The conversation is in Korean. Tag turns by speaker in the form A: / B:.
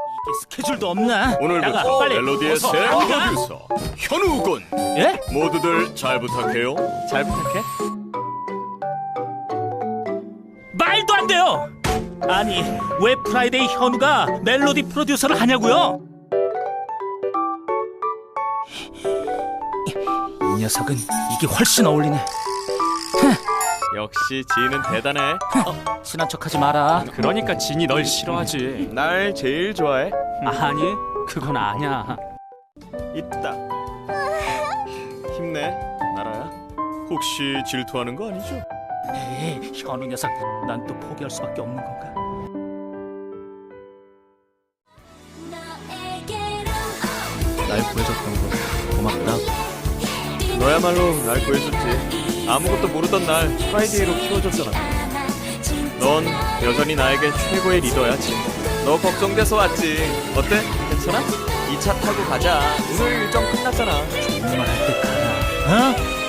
A: 이게 스케줄도 없나?
B: 오늘부터
A: 나가, 빨리.
B: 멜로디의
A: 어서
B: 새
A: 나가.
B: 프로듀서 현우군.
A: 예?
B: 모두들 잘 부탁해요.
A: 잘 부탁해. 말도 안 돼요. 아니 왜 프라이데이 현우가 멜로디 프로듀서를 하냐고요? 이 녀석은 이게 훨씬 어울리네.
C: 역시 지인은 대단해.
A: 친한 척하지 마라.
D: 그러니까 진이 널 싫어하지.
C: 날 제일 좋아해.
D: 아니, 그건 아니야.
C: 있다. 힘내, 나라야.
B: 혹시 질투하는 거 아니죠?
A: 에이, 현우 녀석, 난 또 포기할 수밖에 없는 건가? 날 구해줬던 거 고맙다.
C: 너야말로 날 구해줬지. 아무것도 모르던 날 프라이데이로 키워줬잖아. 넌 여전히 나에게 최고의 리더야, 진. 너 걱정돼서 왔지. 어때? 괜찮아? 2차 타고 가자. 오늘 일정 끝났잖아.
A: 정말 할 때 가라. 어?